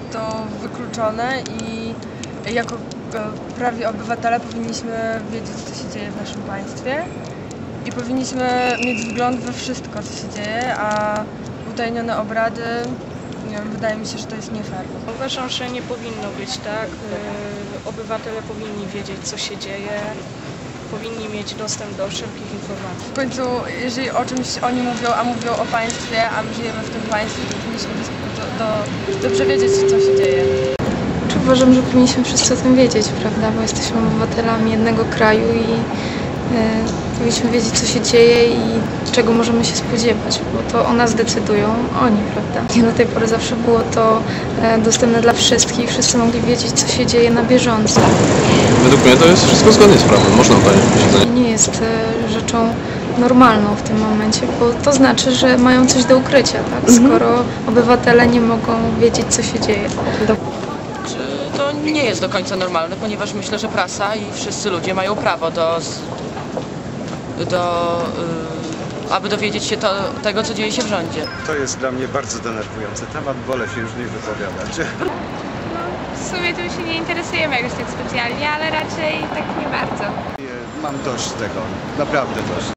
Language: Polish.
to wykluczone i jako prawi obywatele powinniśmy wiedzieć, co się dzieje w naszym państwie i powinniśmy mieć wgląd we wszystko, co się dzieje, a utajnione obrady, nie wiem, wydaje mi się, że to jest nie fair. Uważam, że nie powinno być tak. Obywatele powinni wiedzieć, co się dzieje, powinni mieć dostęp do wszelkich informacji. W końcu, jeżeli o czymś oni mówią, a mówią o państwie, a my żyjemy w tym państwie, to powinniśmy dobrze wiedzieć, co się dzieje. Uważam, że powinniśmy wszyscy o tym wiedzieć, prawda, bo jesteśmy obywatelami jednego kraju i powinniśmy wiedzieć, co się dzieje i czego możemy się spodziewać, bo to o nas decydują oni, prawda. I do tej pory zawsze było to dostępne dla wszystkich, wszyscy mogli wiedzieć, co się dzieje na bieżąco. Według mnie to jest wszystko zgodnie z prawem, można oddawać posiedzenie. Nie jest rzeczą normalną w tym momencie, bo to znaczy, że mają coś do ukrycia, tak? Skoro obywatele nie mogą wiedzieć, co się dzieje. To nie jest do końca normalne, ponieważ myślę, że prasa i wszyscy ludzie mają prawo aby dowiedzieć się tego, co dzieje się w rządzie. To jest dla mnie bardzo denerwujący temat, wolę się już nie wypowiadać. W sumie tym się nie interesujemy jakoś tak specjalnie, ale raczej tak nie bardzo. Mam dość tego, naprawdę dość.